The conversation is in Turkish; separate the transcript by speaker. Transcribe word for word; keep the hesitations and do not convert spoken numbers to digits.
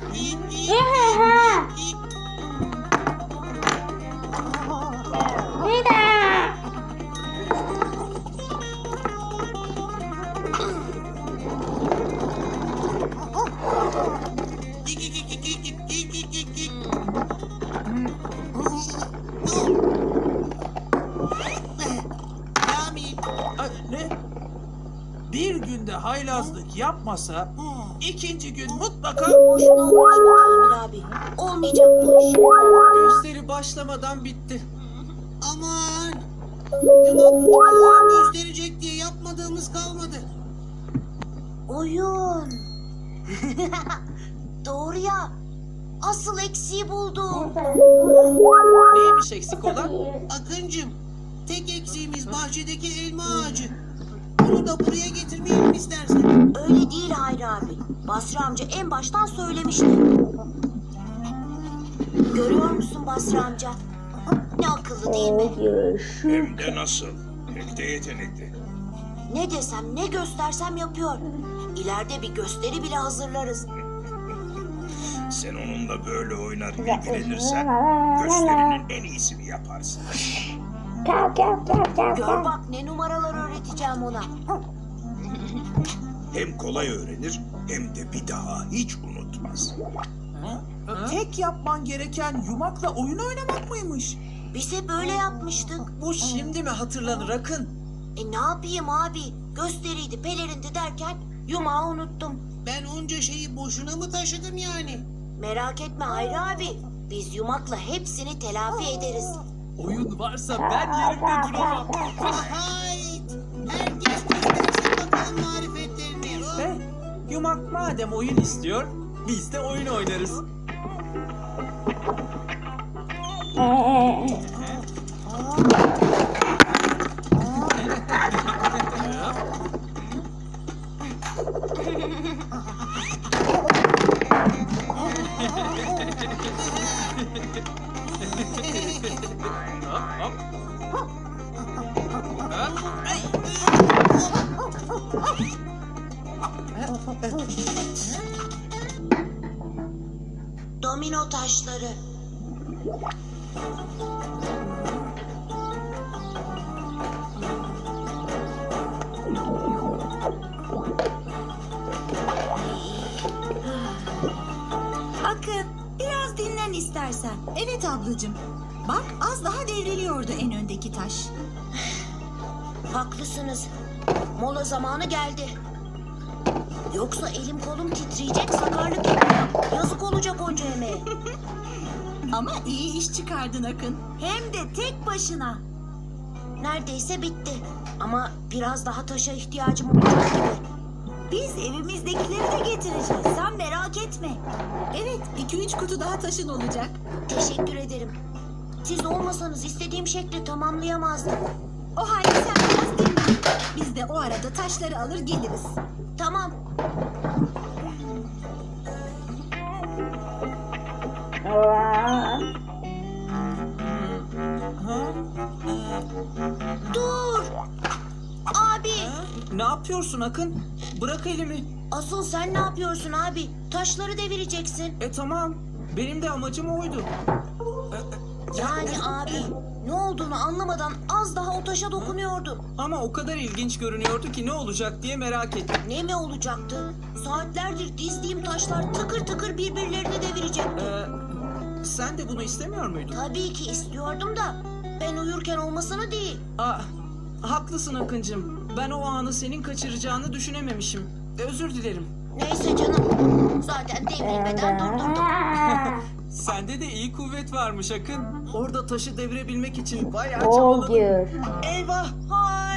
Speaker 1: Bir günde haylazlık yapmasa ikinci gün mutlaka
Speaker 2: Boşuna uğraşma Kamil abi. Olmayacak bu iş.
Speaker 1: gösteri başlamadan bitti.
Speaker 3: Aman! Yumak gösterecek diye yapmadığımız kalmadı.
Speaker 2: Oyun. Doğru ya. Asıl eksiği buldum.
Speaker 1: Neymiş eksik olan?
Speaker 3: Akıncım, tek eksiğimiz bahçedeki elma ağacı. Onu da buraya getirmeyelim istersen.
Speaker 2: Öyle değil Hayri abi. Basri amca en baştan söylemişti. Görüyor musun Basri amca? Ne akıllı değil mi?
Speaker 4: Hem de nasıl? Pek de yetenekli.
Speaker 2: Ne desem ne göstersem yapıyor. İleride bir gösteri bile hazırlarız.
Speaker 4: Sen onunla böyle oynar ilgilenirsen gösterinin en iyisini yaparsın.
Speaker 2: Gör bak ne numaralar öğreteceğim ona.
Speaker 4: Hem kolay öğrenir hem de bir daha hiç unutmaz.
Speaker 1: Tek yapman gereken yumakla oyun oynamak mıymış?
Speaker 2: Biz hep öyle yapmıştık.
Speaker 1: Bu şimdi mi hatırlanır Akın?
Speaker 2: E ne yapayım abi? Gösteriydi, pelerindi derken yumağı unuttum.
Speaker 3: Ben onca şeyi boşuna mı taşıdım yani?
Speaker 2: Merak etme Hayri abi. Biz yumakla hepsini telafi ederiz.
Speaker 1: Oyun varsa ben yerimde duramam.
Speaker 3: Hayt! Herkes göstersin bakalım marifetlerini. Oh!
Speaker 1: He, yumak madem oyun istiyor, biz de oyun oynarız. Hop, hop. Ay.
Speaker 2: Domino taşları.
Speaker 5: Akın, biraz dinlen istersen. Evet ablacığım. Bak az daha devriliyordu en öndeki taş.
Speaker 2: Haklısınız. Mola zamanı geldi. Yoksa elim kolum titreyecek, sakarlık yapacağım. Yazık olacak onca emeğe.
Speaker 5: Ama iyi iş çıkardın Akın. Hem de tek başına.
Speaker 2: Neredeyse bitti. Ama biraz daha taşa ihtiyacım olacak gibi.
Speaker 5: Biz evimizdekileri de getireceğiz. Sen merak etme. Evet, iki üç kutu daha taşın olacak.
Speaker 2: Teşekkür ederim. Siz olmasanız istediğim şekli tamamlayamazdım.
Speaker 5: O halde sen biraz dinlen. Biz de o arada taşları alır geliriz.
Speaker 2: Tamam. Dur! Abi!
Speaker 1: Ne yapıyorsun Akın? Bırak elimi.
Speaker 2: Asıl sen ne yapıyorsun abi? Taşları devireceksin.
Speaker 1: E tamam. Benim de amacım oydu.
Speaker 2: Yani abi ne olduğunu anlamadan az daha o taşa dokunuyordun.
Speaker 1: Ama o kadar ilginç görünüyordu ki ne olacak diye merak ettim.
Speaker 2: Ne mi olacaktı? Saatlerdir dizdiğim taşlar tıkır tıkır birbirlerini devirecekti.
Speaker 1: Ee, sen de bunu istemiyor muydun?
Speaker 2: Tabii ki istiyordum da ben uyurken olmasını değil.
Speaker 1: Aa, haklısın Akıncığım. Ben o anı senin kaçıracağını düşünememişim. Özür dilerim.
Speaker 2: Neyse canım. Zaten devrilmeden durdurdum.
Speaker 1: Sende de iyi kuvvet varmış Akın. Orada taşı devirebilmek için bayağı
Speaker 6: Oh
Speaker 1: çabaladın.
Speaker 6: dear.
Speaker 1: Eyvah!
Speaker 2: Hay!